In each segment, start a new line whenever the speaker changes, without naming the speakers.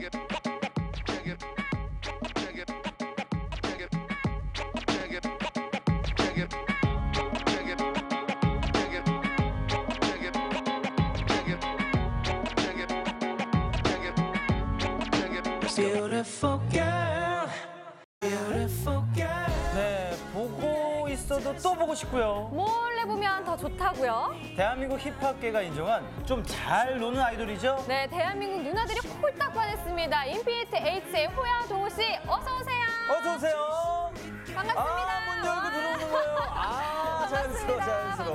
Beautiful girl, beautiful girl.
네, 보고 있어도 또 보고 싶고요.
몰래 보면 더 좋다고요?
대한민국 힙합계가 인정한 좀 잘 노는 아이돌이죠?
네, 대한민국 누나들이 홀딱 반했습니다. 인피니트 H의 호야 동호 씨, 어서 오세요.
어서 오세요.
반갑습니다.
문 열고 들어오는 거예요. 자연스러워, 자연스러워.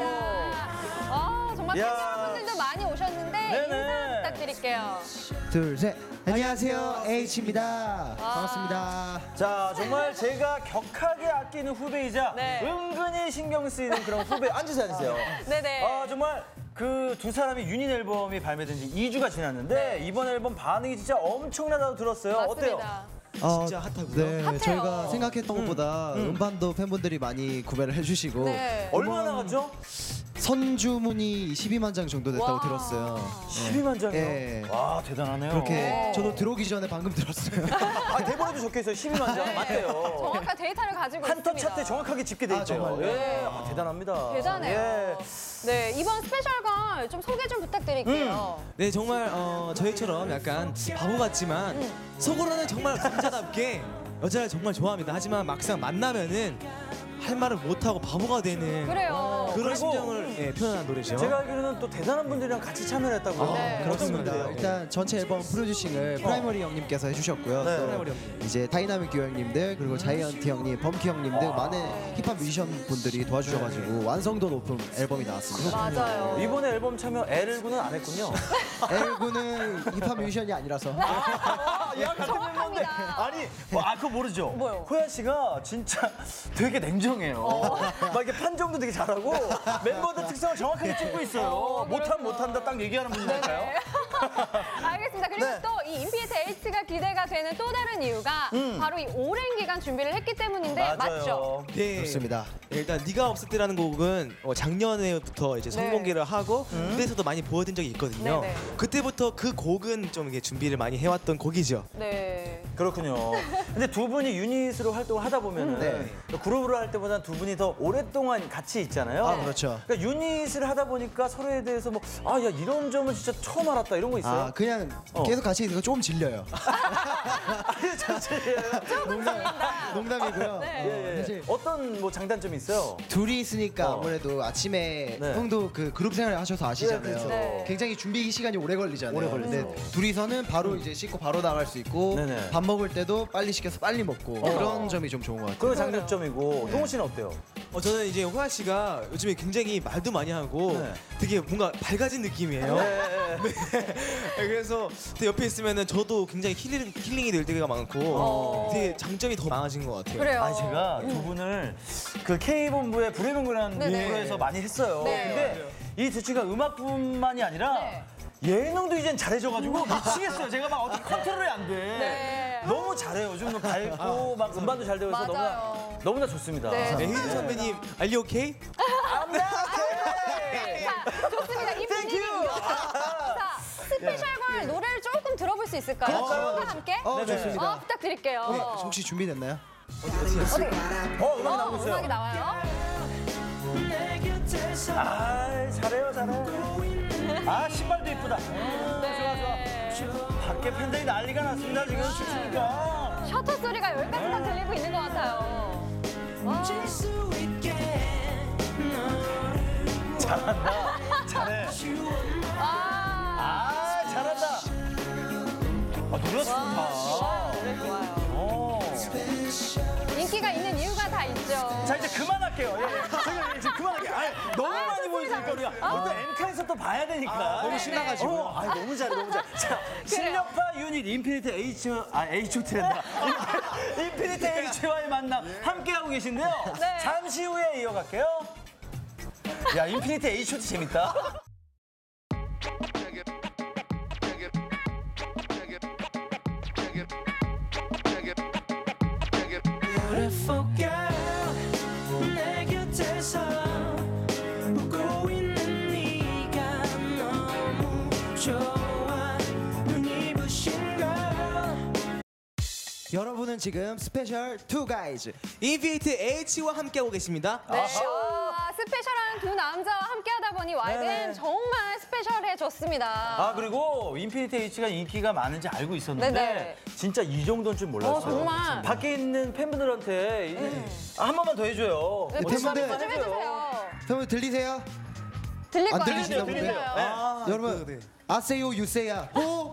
반갑습니다. 정말 팬 여러분들도 많이 오셨는데
네네.
인사 부탁드릴게요.
둘, 셋. 안녕하세요, H입니다. 반갑습니다.
자, 정말 제가 격하게 아끼는 후배이자
네.
은근히 신경 쓰이는 그런 후배. 앉으세요, 앉으세요.
네네.
정말 그 두 사람의 유닛 앨범이 발매된 지 2주가 지났는데 이번 앨범 반응이 진짜 엄청나다고 들었어요. 어때요?
맞습니다.
진짜 핫하고요. 네,
핫해요.
저희가 생각했던 것보다 음반도 팬분들이 많이 구매를 해주시고
네.
얼마나 나갔죠?
선주문이 12만 장 정도 됐다고
와.
들었어요.
12만 장이요?
네.
와, 대단하네요.
그렇게 저도 들어오기 전에 방금 들었어요.
대본에도 적혀있어요. 12만 장. 맞대요.
정확한 데이터를 가지고
한터
있습니다.
차트 정확하게 집계돼 있대요.
정말요?
예, 대단합니다.
대단해요.
예.
네, 이번 스페셜걸 좀 소개 좀 부탁드릴게요.
네, 정말 저희처럼 약간 바보 같지만 속으로는 정말 남자답게 여자를 정말 좋아합니다. 하지만 막상 만나면은 할 말을 못하고 바보가 되는
그래요.
그런
그리고
심정을 표현한 노래죠.
제가 알기로는 또 대단한 분들이랑 같이 참여를 했다고요.
네.
그렇습니다. 일단 전체 앨범 프로듀싱을 프라이머리 형님께서 해주셨고요.
네.
또
프라이머리 형님.
이제 다이나믹 듀오 형님들 그리고 자이언티 형님, 범키 형님 등 많은 힙합 뮤지션 분들이 도와주셔가지고 완성도 높은 앨범이 나왔습니다.
맞아요.
이번에 앨범 참여 L군은 안 했군요.
L군은 힙합 뮤지션이 아니라서.
야, 같은 멤버인데.
정확합니다.
아니, 그거 모르죠?
뭐요?
호야 씨가 진짜 되게 냉정해요. 막 이렇게 판정도 되게 잘하고 멤버들 특성을 정확하게 짚고 있어요. 못한다 딱 얘기하는 분이니까요.
알겠습니다. 그리고
네.
또 이 인피니트 H가 기대가 되는 또 다른 이유가 바로 이 오랜 기간 준비를 했기 때문인데 맞죠?
네,
그렇습니다.
일단 네가 없을 때라는 곡은 작년에부터 이제 선공개를 하고 무대에서도 많이 보여준 적이 있거든요.
네네.
그때부터 그 곡은 좀 이게 준비를 많이 해왔던 곡이죠.
네.
그렇군요. 근데 두 분이 유닛으로 활동을 하다 보면은
네.
그룹으로 할 때보다 두 분이 더 오랫동안 같이 있잖아요.
아, 그렇죠.
그러니까 유닛을 하다 보니까 서로에 대해서 뭐, 야, 이런 점은 진짜 처음 알았다 이런 거 있어요?
아, 그냥 계속 같이 있으니까 조금 질려요.
아니, 잠시만요.
농담이고요.
네.
사실
어떤 뭐 장단점이 있어요?
둘이 있으니까 아무래도 아침에
네.
형도 그 그룹 생활을 하셔서 아시잖아요.
네, 그렇죠.
네.
굉장히 준비 시간이 오래 걸리잖아요.
오래 걸리죠.
근데 둘이서는 바로 이제 씻고 바로 나갈 수 있고
네네.
밥 먹을 때도 빨리 시켜서 빨리 먹고 그런 점이 좀 좋은 것 같아요.
그건 장단점이고 동호 씨는 어때요?
저는 이제 호야 씨가 요즘에 굉장히 말도 많이 하고
네.
되게 뭔가 밝아진 느낌이에요.
네.
그래서 제 옆에 있으면은 저도 굉장히 힐링이 될 때가 많고 되게 장점이 더 많아진 것 같아요.
그래요.
아니 제가 두 분을 그 K본부의 불의명구라는
네네.
프로에서 많이 했어요.
네.
근데 이 두 친구가 음악뿐만이 아니라
네.
예능도 이젠 잘해져가지고 미치겠어요. 제가 막 어떻게 컨트롤이 안 돼.
네.
너무 잘해요. 요즘은 밝고 막 음반도 잘 되고 있어서
맞아요.
너무나 좋습니다.
네.
네, 혜진 선배님, Are you okay?
자, 좋습니다. 이 분위기. 자, 스페셜걸 노래를 조금 들어볼 수 있을까요? 친구와 함께?
좋습니다.
부탁드릴게요.
네, 혹시 준비됐나요?
음악이 나오고 있어요.
음악이 나와요.
아, 잘해요, 잘해. 아, 신발도 이쁘다. 좋아. 밖에 팬들이 난리가 났습니다. 지금 춤추니까.
셔터 소리가 여기까지 다 들리고 있는 것 같아요. 와.
잘한다. 잘해.
아,
잘한다. 노래 좋다.
노래 좋아요. 인기가 있는 이유가 다 있죠.
자, 이제 그만할게요. 저희 이제 그만할게요. 너무 많이 보여주니까 우리가 또 엠카에서 또 봐야 되니까.
너무 신나가지고.
너무 잘해, 너무 잘해. 자, 실력파 유닛 인피니트 H.O.T랜다. 인피니트 H와의 만남 함께하고 계신데요.
네.
잠시 후에 이어갈게요. 야, 인피니트 H.O.T 재밌다.
Beautiful girl, 내 곁에서 웃고 있는 네가 너무 좋아. 눈이 부신 걸
여러분은 지금 스페셜 투 가이즈
인피니트 H와 함께하고 계십니다.
네. 스페셜한 두 남자와 함께하다 보니 YBN
네네.
정말 스페셜해졌습니다.
아 그리고 인피니트 H가 인기가 많은지 알고 있었는데
네네.
진짜 이 정도는 줄 몰랐어요.
정말.
밖에 있는 팬분들한테 한 번만 더 해줘요.
네,
팬분들.
부탁 좀 해주세요.
여러분 들리세요?
들릴 거
안
아니에요?
들리시나 본데?
들려요.
아,
여러분
네.
아세요 유세야 호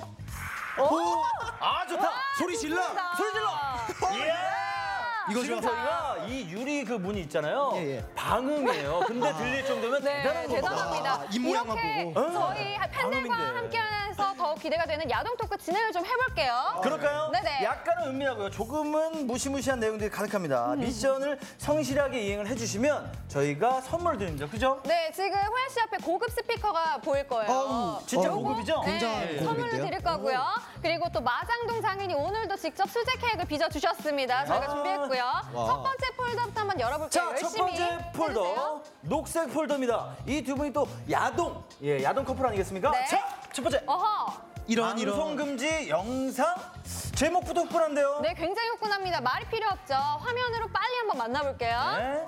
아 좋다.
소리 질러
소리 질러. 이야.
이거
지금
좋아.
저희가 이 유리 그 문이 있잖아요.
예, 예.
방음이에요. 근데 들릴 정도면
네,
대단한 겁니다.
대단합니다.
아, 입모양만
이렇게
보고.
저희 팬들과
방음인데.
함께해서 더 기대가 되는 야동 토크 진행을 좀 해볼게요.
그럴까요?
네네.
약간은 은밀하고요. 조금은 무시무시한 내용들이 가득합니다. 미션을 성실하게 이행을 해주시면 저희가 선물을 드립니다. 그죠?
네, 지금 호야 씨 앞에 고급 스피커가 보일 거예요.
어우,
진짜
요거,
고급이죠?
굉장한
네,
고급인데요?
선물로 드릴 거고요. 그리고 또 마장동 장인이 오늘도 직접 수제 케이크를 빚어 주셨습니다. 저희가
아.
준비했고요.
와.
첫 번째 폴더부터 한번 열어볼게요.
자, 첫
열심히
번째 폴더.
해주세요.
녹색 폴더입니다. 이 두 분이 또 야동. 예, 야동 커플 아니겠습니까?
네.
자, 첫 번째.
어허.
방송 금지 영상. 제목부터 후끈한데요.
네, 굉장히 후끈합니다. 말이 필요 없죠. 화면으로 빨리 한번 만나볼게요.
네.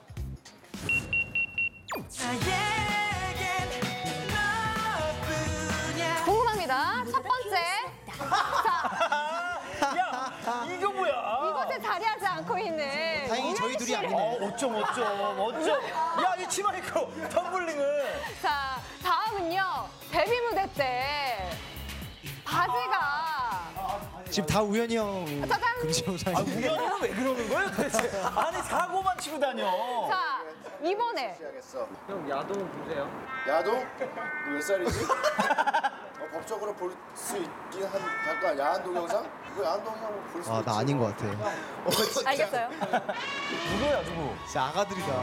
궁금합니다. 첫 번째.
야, 이거 뭐야?
이곳에 자리하지 않고 있는
다행히 저희
우현
둘이
씨.
아니네.
어쩜. 야, 이 치마 입고 텀블링을.
자, 다음은요. 데뷔 무대 때 바지가
지금 다 우연히 형
짜잔.
금지
아,
영상이
우연히는 왜 그러는 거예요, 도대체? 아니, 사고만 치고 다녀.
자, 이번에
야동? 너 몇 살이지? 법적으로 볼 수 있긴 한 잠깐 야한 동영상? 이거 야한 동영상 볼수 있지.
나 아닌 것 같아.
알겠어요.
누구야, 누구?
진짜 아가들이다.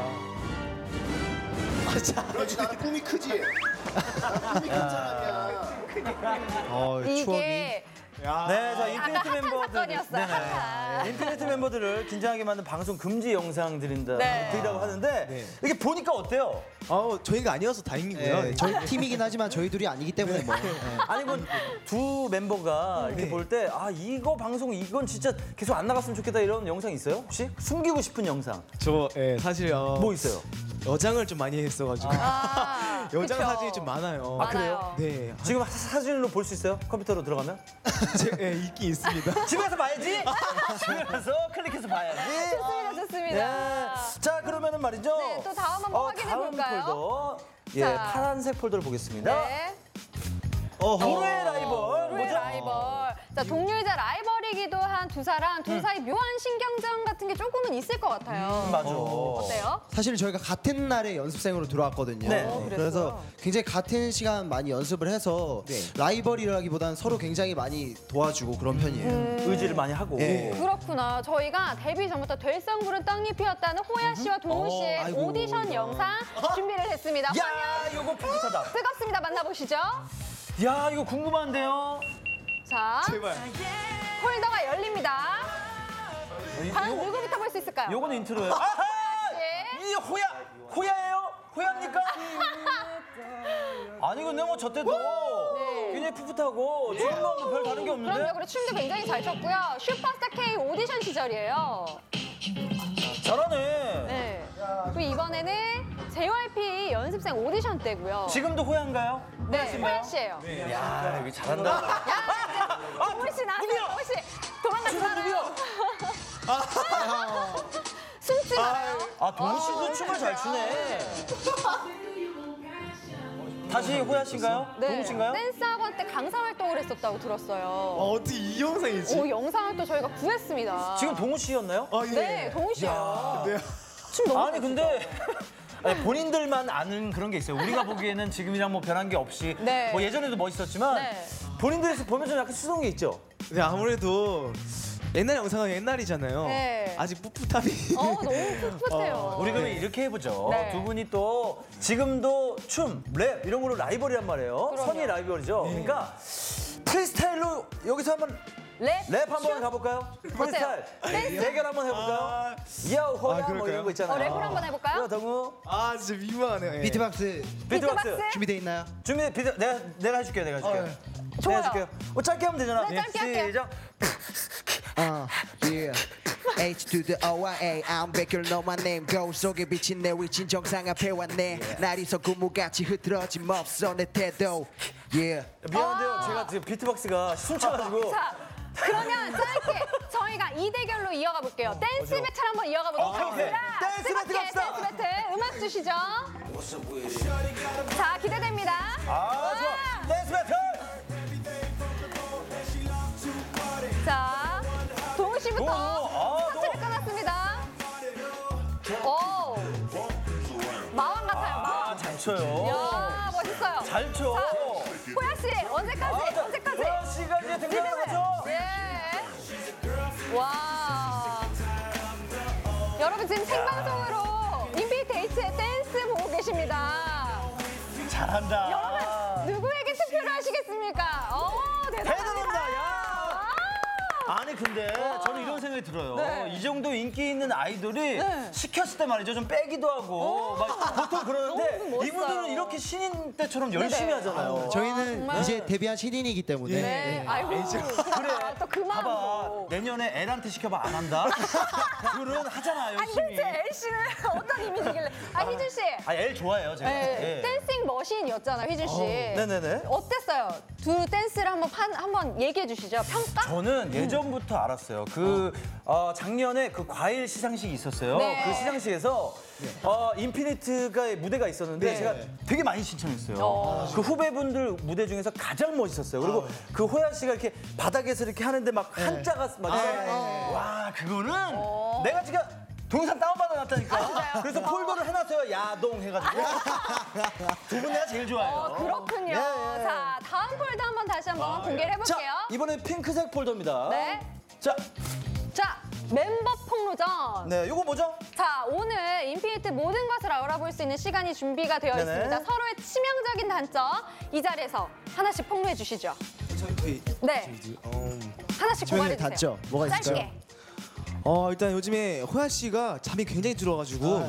그렇지 나는 꿈이 크지. 난 꿈이 큰 사람이야.
추억이.
이게
네, 자, 인피니트
아까 핫한
멤버들.
사건이었어요. 핫한.
인피니트 멤버들을 긴장하게 만든 방송 금지 영상 드린다고
네.
하는데
네.
이게 보니까 어때요?
저희가 아니어서 다행이고요.
네, 저희 팀이긴 하지만 저희 둘이 아니기 때문에 뭐.
아니 두 멤버가 이렇게
네.
볼 때 이거 방송 이건 진짜 계속 안 나갔으면 좋겠다 이런 영상 있어요? 혹시 숨기고 싶은 영상
사실
뭐 있어요?
여장을 좀 많이 했어가지고 여장
그쵸.
사진이 좀 많아요.
아, 그래요?
네,
지금 사진으로 볼 수 있어요? 컴퓨터로 들어가면?
있긴 있습니다.
집에서 봐야지. 집에서 클릭해서 봐야지.
좋습니다, 좋습니다.
네. 자 그러면은 말이죠.
네, 또 다음 한번 확인해
다음
볼까요?
폴더. 예,
자.
파란색 폴더를 보겠습니다.
네.
도로의 라이벌.
도로의
뭐죠?
라이벌. 자, 동료이자 라이벌이기도 한 두 사람, 둘 사이 묘한 신경전 같은 게 조금은 있을 것 같아요.
맞아.
어때요?
사실 저희가 같은 날에 연습생으로 들어왔거든요.
네.
그래서 굉장히 같은 시간 많이 연습을 해서 라이벌이라기보다는 서로 굉장히 많이 도와주고 그런 편이에요.
의지를 많이 하고.
예.
그렇구나. 저희가 데뷔 전부터 될성부른 떡잎이었다는 호야 씨와 동우 씨의
아이고,
오디션
이거.
영상 준비를 했습니다.
야, 이거 뿌듯하다.
뜨겁습니다. 만나보시죠.
야, 이거 궁금한데요.
자,
제발.
폴더가 열립니다. 과연 누구부터 볼 수 있을까요?
요거는 인트로예요. 아하!
예.
이 호야예요? 호야입니까? 아니 근데 뭐 저 때도
네.
굉장히 풋풋하고 지금 뭐별 다른 게 없는데?
그럼요. 그리고 춤도 굉장히 잘 췄고요. 슈퍼스타 K 오디션 시절이에요.
잘하네.
네. 그리고 이번에는 JYP 연습생 오디션 때고요.
지금도 호야인가요?
네,
호야씨인가요?
호야 씨예요.
야, 여기 잘한다.
야, 동우 씨 나왔어요. 동우 씨 도망가지 말아요. 숨지 말아요.
동우 씨도 춤을 잘 추네. 다시 호야 씨인가요? 동우 씨인가요?
댄스 학원 때 강사 활동을 했었다고 들었어요.
어떻게 이 영상이지?
오, 영상을 또 저희가 구했습니다.
지금 동우 씨였나요?
예.
네, 동우 씨예요. 춤 너무
아니 근데 아니, 본인들만 아는 그런 게 있어요. 우리가 보기에는 지금이랑 뭐 변한 게 없이
네.
뭐 예전에도 멋있었지만
네.
본인들에서 보면 좀 약간 수동이 있죠.
네, 아무래도 옛날 영상은 옛날이잖아요.
네.
아직 풋풋함이.
너무 풋풋해요.
우리 그러면 이렇게 해보죠.
네.
두 분이 또 지금도 춤, 랩 이런 걸로 라이벌이란 말이에요.
그럼요.
선의 라이벌이죠. 그러니까 프리스타일로 여기서 한번 랩 한번 가볼까요? 프리스타일 대결 한번 해볼까요? 야호 호야 뭐
그럴까요?
이런 거 있잖아요.
랩을 한번 해볼까요?
야 동우
진짜 민망하네요. 예.
비트박스
비트박스
준비돼 있나요?
준비 비트 내가 해줄게요. 내가 해줄게요.
좋아요.
내가 해줄게요. 짧게 하면 되잖아.
네, 짧게 할게요.
시작.
Yeah. H to the O-I-A I'm back you know my name 거울 속에 비친 내 위친 정상 앞에 왔네 날이서 구무같이 흐트러짐 없어 내 태도 Yeah.
미안한데요. 제가 지금 비트박스가 숨차가지고.
자, 그러면 짧게 저희가 이 대결로 이어가 볼게요. 댄스 배틀 한번 이어가 보도록
오케이.
하겠습니다.
댄스 배틀
뜨겁게
갑시다.
댄스 배틀 음악 주시죠. 자, 기대됩니다.
아, 좋아. 댄스 배틀.
자, 동우 씨부터 파트를 끊었습니다. 오, 마왕 같아요, 마왕.
잘 쳐요.
이야, 멋있어요.
잘 쳐.
자, 호야 씨, 언제까지? 언제까지?
호야 씨가 이제 등장을 하죠.
예. 와. 여러분 지금 생방송으로 인피니트의 댄스 보고 계십니다.
잘한다.
여러분 누구에게 투표를 하시겠습니까? 대단합니다.
대단합니다. 야. 아니 근데 저는 이런 생각이 들어요.
네.
이 정도 인기 있는 아이돌이
네.
시켰을 때 말이죠. 좀 빼기도 하고 막 보통 그러는데
너무 멋있어요.
이분들은 이렇게 신인 때처럼 열심히
네네.
하잖아요.
저희는
정말.
이제 데뷔한 신인이기 때문에
네. 아이고.
그래.
또 그
봐봐.
마음으로.
내년에 애한테 시켜봐 안 한다. 둘은 하잖아
아니
열심히.
도대체 엘 씨는 어떤 이미지길래? 아 희준 씨.
아, 애 좋아해요 제가.
네,
예.
댄싱 머신이었잖아요, 희준 씨.
네네네.
어땠어요? 두 댄스를 한번 얘기해 주시죠. 평가?
저는 예전부터 알았어요. 작년에 그 과일 시상식이 있었어요.
네.
그 시상식에서 인피니트가 무대가 있었는데
네.
제가 되게 많이 신청했어요. 그 후배분들 무대 중에서 가장 멋있었어요. 그리고 그 호야 씨가 이렇게 바닥에서 이렇게 하는데 막 한자가 막 와 그거는 내가 지금 동영상 다운받아 놨다니까. 그래서 폴더를 해놨어요. 야동 해가지고. 두 분 내가 제일 좋아해요.
그렇군요.
예.
자, 다음 폴더 한번 다시 한번 공개를
자,
해볼게요.
이번엔 핑크색 폴더입니다.
네.
자,
자, 멤버 폭로전.
네, 요거 뭐죠?
자, 오늘 인피니트 모든 것을 알아볼 수 있는 시간이 준비가 되어
네네.
있습니다. 서로의 치명적인 단점 이 자리에서 하나씩 폭로해 주시죠. 네. 하나씩 고발해
치명적인
주세요.
단점 뭐가 있을까요?
짧게.
일단 요즘에 호야 씨가 잠이 굉장히 들어가지고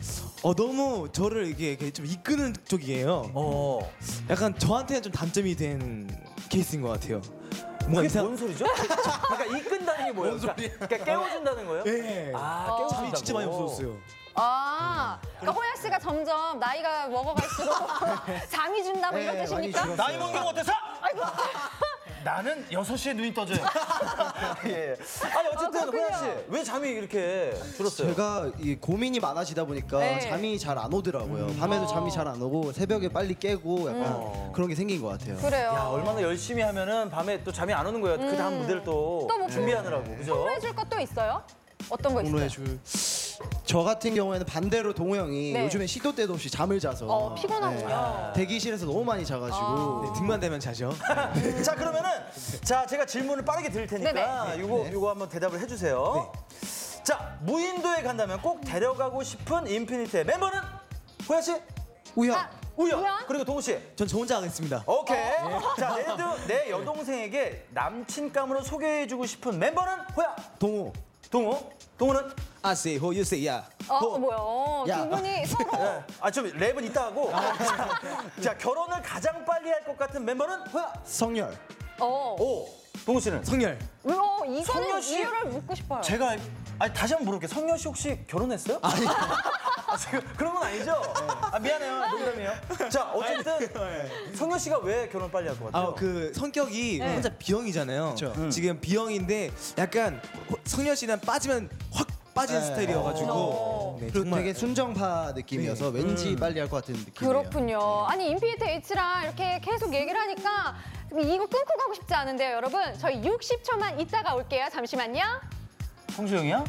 너무 저를 이렇게 좀 이끄는 쪽이에요. 약간 저한테는 좀 단점이 된 케이스인 것 같아요. 뭔가
그게 뭔 소리죠? 그러니까 이끈다는 게 뭐예요? 그러니까 깨워준다는 거예요?
네.
아, 깨워준다고.
잠이 진짜 많이 없어졌어요.
그러니까 호야 씨가 점점 나이가 먹어갈수록 잠이 준다 뭐 이런
네,
뜻입니까?
많이
나이 먹는 거 어때서?
아이고.
나는 6시에 눈이 떠져요. 예. 아니 어쨌든
그렇군요.
호야 씨, 왜 잠이 이렇게 줄었어요?
제가 이 고민이 많아지다 보니까
네.
잠이 잘 안 오더라고요. 밤에도 잠이 잘 안 오고 새벽에 빨리 깨고 약간 그런 게 생긴 것 같아요.
그래요.
야, 얼마나 열심히 하면은 밤에 또 잠이 안 오는 거예요. 그 다음 무대를 또
또뭐
준비하느라고. 그죠?
폭로해 줄 것도 있어요? 어떤 거 있어요?
공로해줄 저 같은 경우에는 반대로 동호 형이
네.
요즘에 시도 때도 없이 잠을 자서
피곤하군요.
대기실에서 너무 많이 자가지고
네, 등만 대면 자죠.
자, 그러면은 자, 제가 질문을 빠르게 드릴 테니까
네네.
요거 한번 대답을 해 주세요. 자, 무인도에 간다면 꼭 데려가고 싶은 인피니트의 멤버는 호야 씨?
우영
우연.
우연?
그리고 동우 씨.
전 저 혼자 하겠습니다.
오케이. 자, 내 여동생에게 남친감으로 소개해주고 싶은 멤버는 호야.
동호
동우. 동우는?
I say ho, you say yeah.
뭐야?
야.
두 분이 서로
좀 랩은 이따 하고. 자, 결혼을 가장 빨리 할 것 같은 멤버는 호야.
성열
오. 동우 씨는?
성열.
이거는
성녀 씨.
이유를 묻고 싶어요.
제가 다시 한번 물어볼게요. 성열 씨 혹시 결혼했어요? 아니. 지금 그런 건 아니죠? 미안해요. 농담이에요. 자, 어쨌든 성열 씨가 왜 결혼 빨리 할 것 같아요?
그 성격이 혼자 B형이잖아요.
그쵸.
지금 B형인데 약간 성열 씨는 빠지면 확 빠지는 스타일이어가지고 네,
그리고
정말
되게 순정파 느낌이어서 왠지 빨리 할 것 같은 느낌이에요.
그렇군요. 아니 인피니트 H랑 이렇게 계속 얘기를 하니까 이거 끊고 가고 싶지 않은데요, 여러분. 저희 60초만 있다가 올게요. 잠시만요.
성수형이야?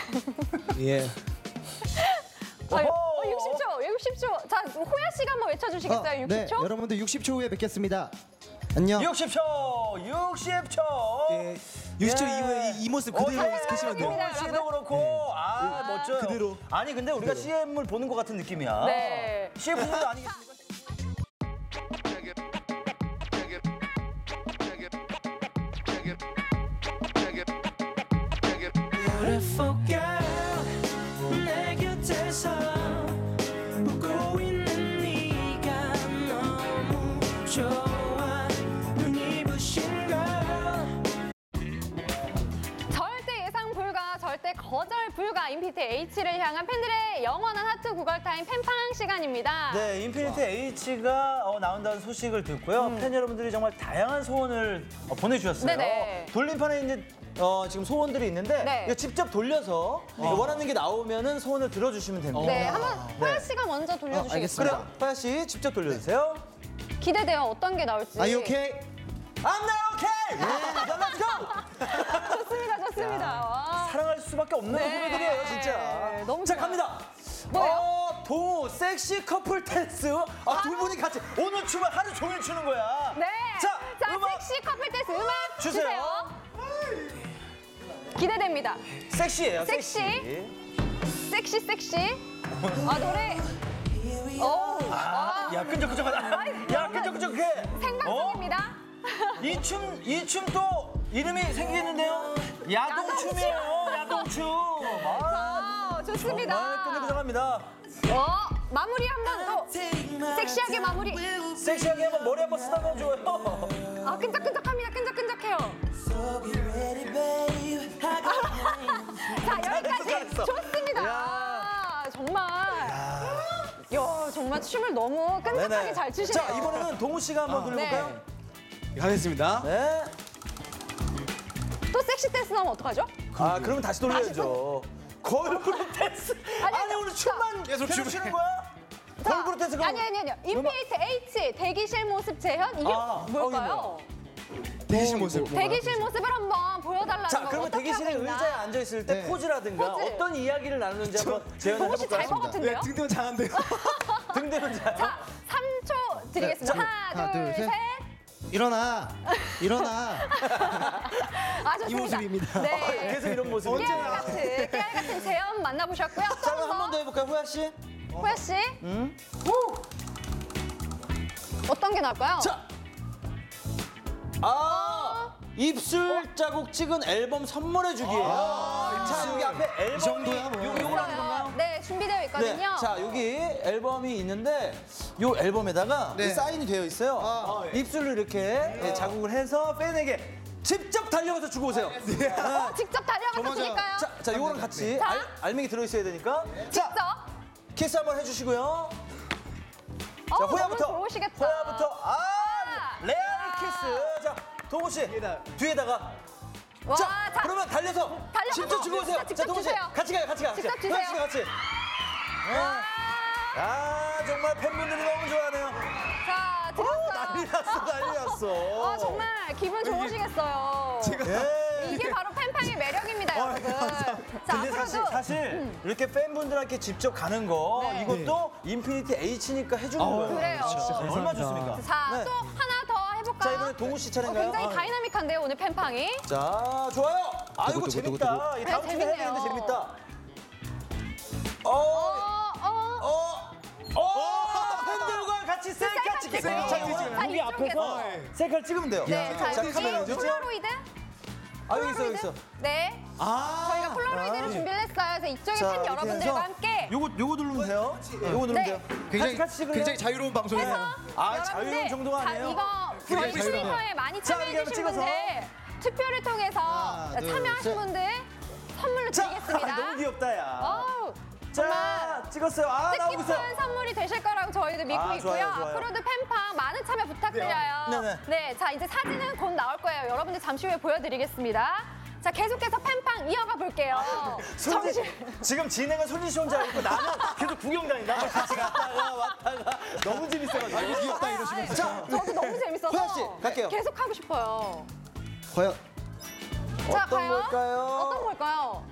예.
60초. 자, 호야 씨가 한번 외쳐주시겠어요? 60초?
네, 여러분들 60초 후에 뵙겠습니다. 안녕.
60초. 60초.
예. 60초 이후에 이 모습 그대로 계시면 돼요.
당연합니다.
동우 씨도 그렇고 멋져요.
그대로.
아니 근데 우리가 CM을 보는 것 같은 느낌이야.
네.
CF도 아니겠습니까?
Beautiful girl 내 곁에서 웃고 있는 네가 너무 좋아 눈이 부신 girl
절대 예상 안녕하십니까. 인피니트 H를 향한 팬들의 영원한 하트 구걸 타임 팬팡 시간입니다.
네, 인피니트 H가 나온다는 소식을 듣고요. 팬 여러분들이 정말 다양한 소원을 보내주셨어요.
네네.
돌림판에 이제 지금 소원들이 있는데
네.
이거 직접 돌려서 원하는 게 나오면은 소원을 들어주시면 됩니다.
네, 한번 호야 씨가 먼저 돌려주시겠어요?
알겠습니다.
그래요, 파야 씨 직접 돌려주세요.
기대돼요. 어떤 게 나올지.
Are you okay?
I'm not okay. Let's go.
좋습니다, 좋습니다. 와.
사랑할 수밖에 없는
네.
후배들이에요, 진짜.
너무
자,
좋아요.
갑니다.
뭐예요?
동호 섹시 커플 댄스. 두 분이 같이 오늘 춤을 하루 종일 추는 거야.
네.
자, 음악
섹시 커플 댄스 음악
주세요.
주세요. 기대됩니다.
섹시예요,
섹시. 섹시. 아, 노래.
야, 끈적끈적하다. 야, 끈적끈적해.
생방송입니다.
이 춤 또 이름이 생기는데요. 야동춤이에요, 야동춤.
좋습니다.
정말 끈적끈적합니다.
마무리 한번 또 섹시하게 마무리.
섹시하게 한번 머리 한번 쓰다가 줘요.
아, 끈적끈적합니다. 끈적끈적해요. 자, 여기까지
잘했어.
좋습니다.
야.
정말. 정말 춤을 너무 끈적하게 잘 추시네요.
자, 이번에는 동우 씨가 한번 돌려볼까요?
가겠습니다.
네.
또 섹시 댄스 나오면 어떡하죠?
그러면 다시 돌려야죠. 걸그룹 댄스. 아니, 오늘 춤만 계속 추는 거야? 걸그룹 댄스 그럼.
아니요. 인피니트 H 대기실 모습 재현 이게 뭘까요?
대기실 모습.
대기실 모습을 한번 보여달라는
자,
거
그러면
어떻게
대기실에
하고 있나?
의자에 앉아 있을 때
네.
포즈라든가
포즈.
어떤 이야기를 나누는지 한번 재현해
동호 씨 잘 것
볼까요?
같은데요?
네, 등등 장한데요.
등대면 잘.
자, 3초 드리겠습니다. 하나, 둘, 셋.
일어나.
좋습니다.
이 모습입니다.
네.
계속 이런 모습.
깨알 같은 재현 만나보셨고요.
자, 그럼 한 번 더 해볼까요, 호야 씨?
호야 씨. 어떤 게 나을까요?
자. 입술 자국 찍은 앨범 선물해 주기예요. 자, 여기 앞에 앨범이
정도야, 뭐.
요걸 하는 건가요?
네, 준비되어 있거든요.
네. 자, 여기 앨범이 있는데 요 앨범에다가
네.
사인이 되어 있어요. 입술로 이렇게 자국을 해서 팬에게 직접 달려가서 주고 오세요.
직접 달려가서 드릴까요?
자, 요거랑 같이
자.
알맹이 들어 있어야 되니까.
직접.
키스 한번 해주시고요. 자,
너무
호야부터.
좋으시겠다.
호야부터. 레알 키스. 자, 동호 씨 뒤에다가.
와,
자, 그러면 달려서 직접 주고 오세요.
직접
자, 동호 씨
주세요.
같이 가요.
직접 주세요.
호야 씨가 같이. 정말 팬분들이 너무 좋아하네요.
자, 드렸어요.
난리 났어.
정말 기분 좋으시겠어요. 이게 바로 팬팡의 매력입니다, 여러분. 자,
근데
앞으로도
사실 이렇게 팬분들한테 직접 가는 거
네.
이것도 인피니티 H니까 해주는 거예요.
그래요.
얼마나 좋습니까?
자,
네.
또 하나 더 해볼까요?
자, 이번에 동우 씨 차례인가요?
굉장히 다이나믹한데요, 오늘 팬팡이.
자, 좋아요. 이거 재밌다. 이 다음 주에 해야
재밌네요.
되는데 재밌다. 팬들과 같이 셀카 찍겠어요.
자,
여기
이쪽에서.
앞에서 셀카를 찍으면 돼요.
네, 자,
자,
여기
카메라 어디 있죠?
폴라로이드?
여기 있어.
네. 저희가 폴라로이드를 준비를 했어요. 그래서 이쪽에
자,
팬
이렇게
여러분들과
해서
함께
요거 누르면 돼요. 요거 누르면
네.
돼요. 같이 찍을래요?
굉장히 자유로운 방송이에요.
해서
자유로운
여러분들,
정도가 아니에요.
이거 저희 트위터에 많이
자, 이렇게
참여해주신
한번
분들 투표를 통해서
하나, 둘,
참여하신
셋.
분들 선물로 드리겠습니다.
너무 귀엽다, 야.
어우,
자,
정말
찍었어요. 나오고 있어요.
뜻깊은 선물이 되실 거라고 저희도 믿고 있고요.
좋아요.
앞으로도 팬팡 많은 참여 부탁드려요.
네네.
네, 자 이제 사진은 곧 나올 거예요. 여러분들 잠시 후에 보여드리겠습니다. 자, 계속해서 팬팡 이어가 볼게요.
지금 진행은 손진 씨 혼자 있고 나는 계속 구경 다닌다. 같이 갔다가 왔다가 너무 재밌어가지고.
귀엽다 이러시면서.
자,
저도 너무 재밌어서
호야 씨, 갈게요.
계속 하고 싶어요.
과연
자,
어떤
과연
걸까요?
어떤 걸까요?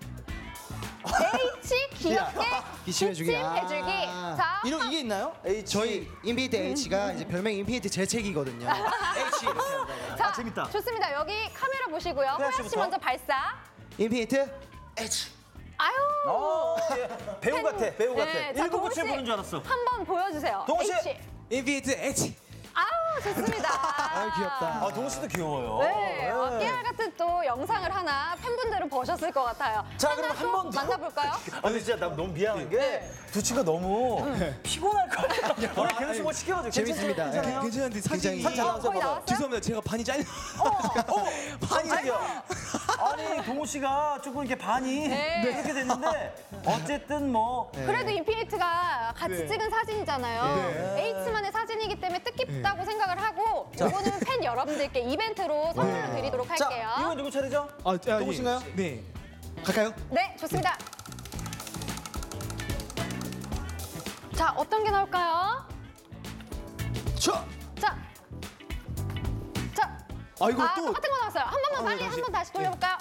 H 귀엽게
기침해주기.
기침해주기. 자,
이게 있나요? H.
저희 인피니트 H가 이제 별명 인피니트 재채기거든요. H 이렇게 한다고.
자,
재밌다.
좋습니다. 여기 카메라 보시고요. 호야 씨
씨부터.
먼저 발사.
인피니트 H.
아유.
배우 같아. 배우 같아.
네, 자,
1997 보는 줄 알았어.
한번 보여주세요.
동호 씨.
H.
인피니트 H.
아우, 좋습니다.
아유, 귀엽다.
동호 씨도 귀여워요.
네, 깨알 같은 또 영상을 하나 팬분들은 보셨을 것 같아요.
자,
하나
그럼 한
또
번 더.
만나볼까요?
근데 진짜 나 너무 미안한 게 두 친구가 너무 피곤할 것 같아. 우리 계속 뭐 시켜가지고
재밌습니다.
괜찮아요?
괜찮은데 사진이
사진 잘 나왔어요.
거의 나왔어요?
죄송합니다. 제가 반이 잘려.
반이 저기요. 아니 동호 씨가 조금 이렇게 반이
네.
그렇게 됐는데 어쨌든 뭐
그래도 인피니트가 같이
네.
찍은 사진이잖아요. H만의 사진이기 때문에 뜻깊다고 생각을 하고 이거는 팬 여러분들께 이벤트로 선물을 드리도록
자,
할게요.
이건 누구 차례죠?
누구신가요? 네. 갈까요?
네, 좋습니다. 자, 어떤 게 나올까요? 자,
이거 또
똑같은 거 나왔어요. 한 번만 빨리 한 번 다시 돌려볼까요?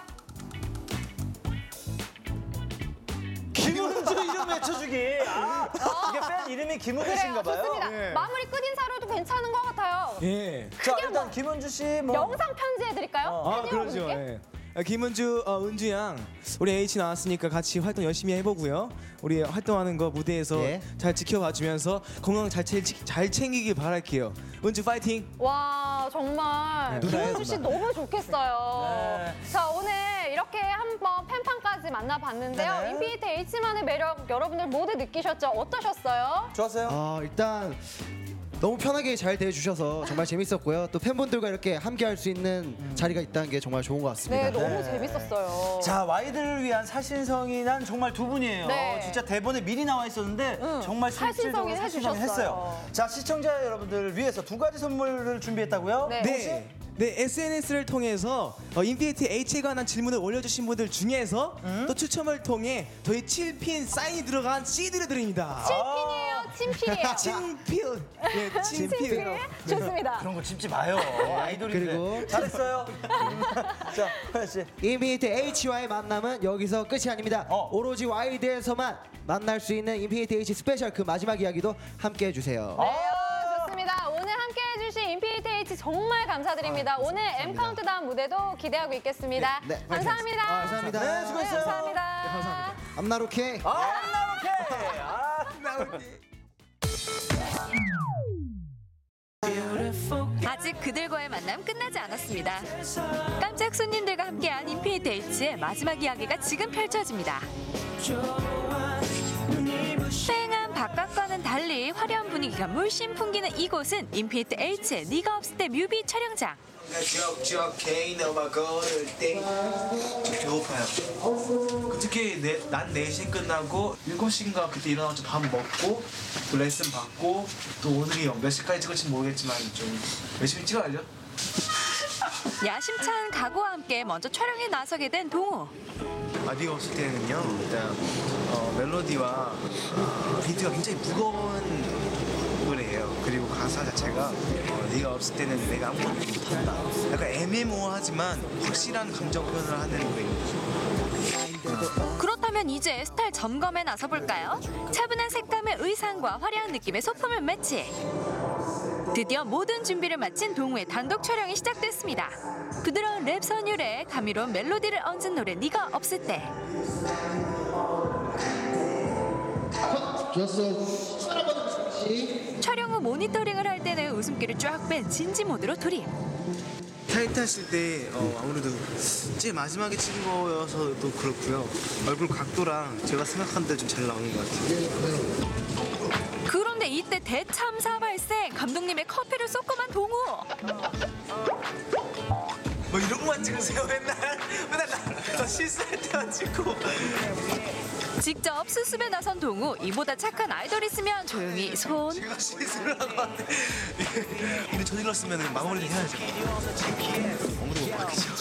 김은주 이름 외쳐주기. 이게 팬 이름이 김은주신가
그래요,
봐요.
좋습니다. 마무리 끝 인사로도 괜찮은 것 같아요.
예.
자, 일단 김은주 씨 뭐
영상 편지해드릴까요? 팬
그러죠.
여러분께?
예. 김은주, 은주 양, 우리 H 나왔으니까 같이 활동 열심히 해보고요. 우리 활동하는 거 무대에서
예.
잘 지켜봐주면서 건강 잘 챙기길 바랄게요. 은주 파이팅!
와, 정말
네,
김은주 씨 너무 좋겠어요.
네.
자, 오늘 이렇게 한번 팬판까지 만나봤는데요.
네네.
인피니트 H만의 매력 여러분들 모두 느끼셨죠? 어떠셨어요?
좋았어요?
일단 너무 편하게 잘 대해주셔서 정말 재밌었고요. 또 팬분들과 이렇게 함께할 수 있는 자리가 있다는 게 정말 좋은 것 같습니다.
네, 너무 재밌었어요.
자, 와이드를 위한 살신성이 난 정말 두 분이에요.
네.
진짜 대본에 미리 나와 있었는데 정말 실질적으로
살신성이
살신성이
해주셨어요.
했어요. 자, 시청자 여러분들을 위해서 두 가지 선물을 준비했다고요?
네.
네. 네, SNS를 통해서 인피니티 H에 관한 질문을 올려주신 분들 중에서 또 추첨을 통해 저희 7핀 사인이 들어간 CD를 드립니다.
친필이에요, 친필이에요.
친필. 네, 친필.
친필. 좋습니다.
그런 거 짚지 마요. 아이돌인데.
그리고
잘했어요. 자, 호연 씨.
인피니트 H와의 만남은 여기서 끝이 아닙니다. 오로지 와이드에서만 만날 수 있는 인피니트 H 스페셜 그 마지막 이야기도 함께 해주세요.
네, 좋습니다. 오늘 함께 해주신 인피니트 H 정말 감사드립니다. 오늘 M 카운트다운 무대도 기대하고 있겠습니다.
네, 네.
감사합니다.
감사합니다.
네, 수고했어요.
감사합니다.
암나로케.
아직 그들과의 만남 끝나지 않았습니다. 깜짝 손님들과 함께한 인피니트 H의 마지막 이야기가 지금 펼쳐집니다. 휑한 바깥과는 달리 화려한 분위기가 물씬 풍기는 이곳은 인피니트 H의 네가 없을 때 뮤비 촬영장.
배고파요. 특히 난 4시에 끝나고 7시인가 그때 일어나서 밥 먹고 또 레슨 받고 또 오늘이 몇 시까지 찍을지 모르겠지만 좀 열심히 찍어야죠.
야심찬 각오와 함께 먼저 촬영에 나서게 된 동호.
네가 없을 때는요 일단 멜로디와 비트가 굉장히 무거운 노래예요. 그리고 가사 자체가 네가 없을 때는 내가 아무것도 못한다. 약간 애매모호하지만 확실한 감정 표현을 하는 노래입니다.
그렇다면 이제 스타일 점검에 나서볼까요? 차분한 색감의 의상과 화려한 느낌의 소품을 매치. 드디어 모든 준비를 마친 동우의 단독 촬영이 시작됐습니다. 부드러운 랩 선율에 감미로운 멜로디를 얹은 노래 네가 없을 때. 촬영 후 모니터링을 할 때는 웃음기를 쫙 뺀 진지 모드로 돌입.
타이트하실 때 아무래도 제일 마지막에 찍은 거여서도 그렇고요. 얼굴 각도랑 제가 생각한 대로 좀 잘 나오는 것 같아요.
그런데 이때 대참사 발생. 감독님의 커피를 쏟고만 동우.
뭐 이런 것만 찍으세요 맨날 나 실수할 때만 찍고.
직접 수습에 나선 동우. 이보다 착한 아이돌 있으면 조용히 손.
제가 실수를 하고 왔는데 근데 저질렀으면 마무리를 해야죠. 아무도 못 받겠죠.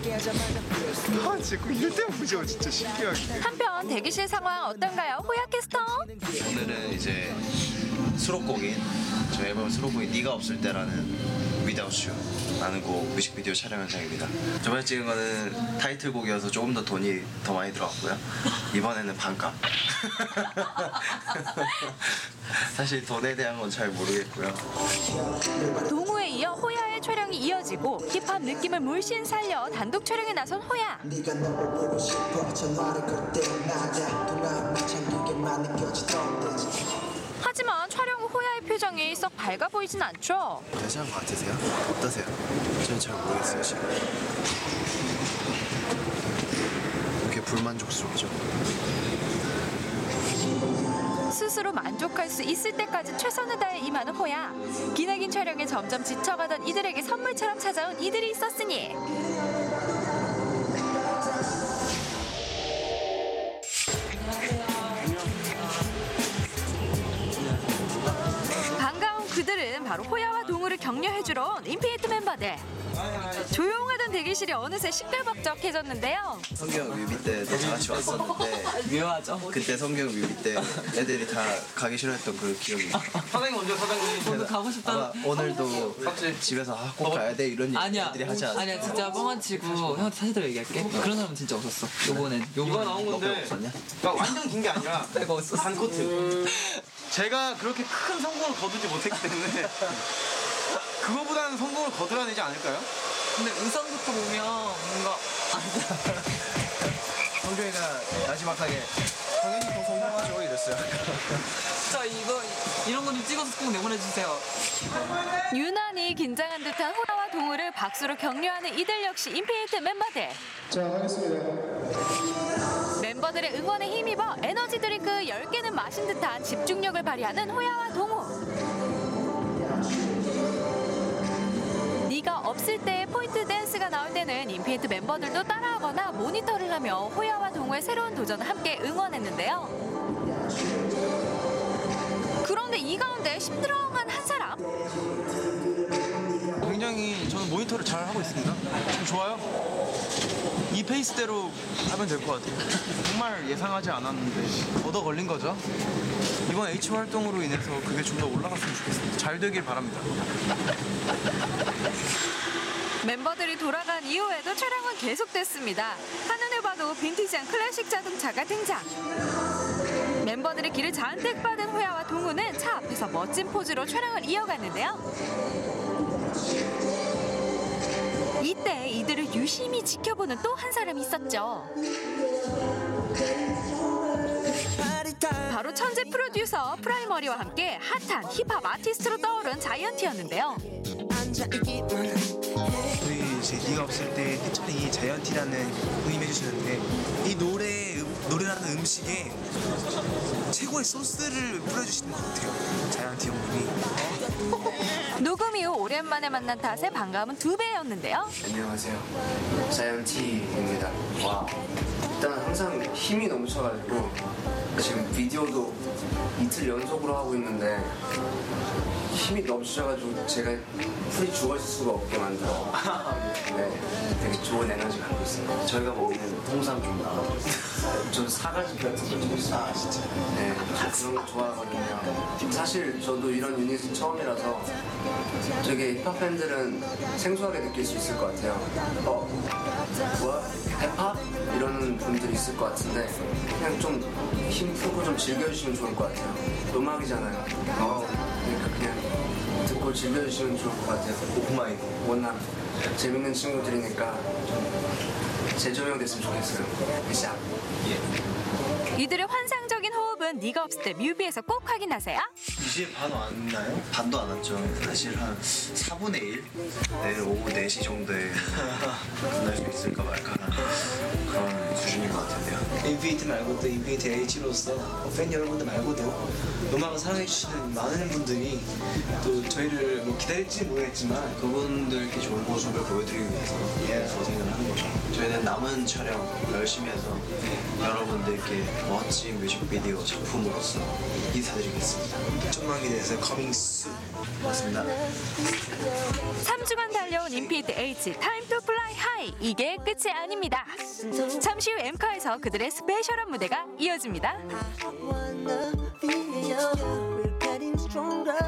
진짜 이럴 때 보죠. 진짜 신기하게.
한편 대기실 상황 어떤가요? 호야 캐스터?
오늘은 이제 수록곡인 저희 앨범 수록곡인 네가 없을 때라는 Without You라는 곡 뮤직비디오 촬영 현장입니다. 저번에 찍은 거는 타이틀곡이어서 조금 더 돈이 더 많이 들어갔고요. 이번에는 반값. 사실 돈에 대한 건 잘 모르겠고요.
동우에 이어 호야의 촬영이 이어지고 힙합 느낌을 물씬 살려 단독 촬영에 나선 호야. 하지만 촬영 후 호야의 표정이 썩 밝아 보이진 않죠.
괜찮은 것 같으세요? 어떠세요? 저는 잘 모르겠어요 지금. 이렇게 불만족스럽죠?
스스로 만족할 수 있을 때까지 최선을 다해 임하는 호야. 기나긴 촬영에 점점 지쳐가던 이들에게 선물처럼 찾아온 이들이 있었으니 바로 호야와 동우를 격려해주러 온 인피니트 멤버들. 조용하던 대기실이 어느새 시끌벅적해졌는데요.
성경 뮤비 때 다 같이 왔었는데
묘하죠?
그때 성경 뮤비 때 애들이 다 가기 싫어했던 그 기억이
사장님 먼저 사장님. 오늘 가고 싶다는.
아마 오늘도 집에서 꼭 가야 돼 이런 얘기 애들이 하지 않았어.
아니야 진짜 뻥안 치고 형한테 사실대로 얘기할게. 그런 사람은 진짜 없었어. 요번에 나온 건데
없었냐?
그러니까 완전 긴 게 아니라 내가 없었어. 반 코트. 제가 그렇게 큰 성공을 거두지 못했기 때문에 그거보다는 성공을 거둬야되지 않을까요? 근데 의상부터 보면 뭔가
성경이가 마지막하게 당연히 더 성공하죠 이랬어요.
자 이런 거 좀 찍어서 꼭 내보내주세요.
유난히 긴장한 듯한 호야와 동우를 박수로 격려하는 이들 역시 인피니트 멤버들.
자, 하겠습니다.
멤버들의 응원에 힘입어 에너지 드링크 10개는 마신 듯한 집중력을 발휘하는 호야와 동우. 네가 없을 때 포인트 댄스가 나올 때는 인피니트 멤버들도 따라하거나 모니터를 하며 호야와 동우의 새로운 도전을 함께 응원했는데요. 그런데 이 가운데 힘들어한 한 사람.
굉장히 저는 모니터를 잘 하고 있습니다. 좀 좋아요. 이 페이스대로 하면 될 것 같아요. 정말 예상하지 않았는데 얻어 걸린 거죠. 이번 H 활동으로 인해서 그게 좀 더 올라갔으면 좋겠습니다. 잘 되길 바랍니다.
멤버들이 돌아간 이후에도 촬영은 계속됐습니다. 한눈에 봐도 빈티지한 클래식 자동차가 등장. 멤버들의 길을 잔뜩 받은 호야와 동우는 차 앞에서 멋진 포즈로 촬영을 이어갔는데요. 이때 이들을 유심히 지켜보는 또 한 사람이 있었죠. 바로 천재 프로듀서 프라이머리와 함께 핫한 힙합 아티스트로 떠오른 자이언티였는데요.
저희 이제 네가 없을 때 해찬이 자이언티라는 분임 해주시는데 이 노래라는 음식에 최고의 소스를 뿌려주시는 것 같아요. 자이언티 형님이.
녹음 이후 오랜만에 만난 탓에 반가움은 2배였는데요.
안녕하세요. 자이언티입니다. 와, 일단 항상 힘이 넘쳐가지고 지금 비디오도 이틀 연속으로 하고 있는데 힘이 넘쳐가지고 제가 풀이 죽어있을 수가 없게 만들어. 네, 되게 좋은 에너지 갖고 있어요. 저희가 먹는 통상 좀 나와요. 저는 사가지 같은 거좀 있어요. 아, 진짜? 네, 저 그런 거 좋아하거든요. 사실 저도 이런 유닛은 처음이라서 되게 힙합 팬들은 생소하게 느낄 수 있을 것 같아요. 뭐야? 힙합? 이러는 분들이 있을 것 같은데 그냥 좀 힘 푸고 좀 즐겨주시면 좋을 것 같아요. 음악이잖아요. 그러니까 그냥 듣고 즐겨주시면 좋을 것 같아요. 오프마이드, 원남. 재밌는 친구들이니까 좀 재조명됐으면 좋겠어요. 시작.
이들의 환상적인 호흡은 네가 없을 때 뮤비에서 꼭 확인하세요.
이제 반 왔나요? 반도 안 왔죠. 사실 한 4분의 1? 내일 오후 4시 정도에 끝날 수 있을까 말까 하는 그런 수준인 것 같은데요.
인피니트 말고도 인피니트 H로서 팬 여러분들 말고도 음악을 사랑해주시는 많은 분들이 또 저희를 뭐 기다릴지 모르겠지만
그분들께 좋은 모습을 보여드리기 위해서 고생을 하는 거죠. 저희는 남은 촬영 열심히 해서 여러분들께 멋진 뮤직비디오 작품으로서 인사드리겠습니다.
1천만 기대해서 coming soon.
맞습니다.
3주간 달려온 인피니트 H Time to Fly High. 이게 끝이 아닙니다. 잠시 후 엠카에서 그들의 스페셜한 무대가 이어집니다.
We're getting stronger.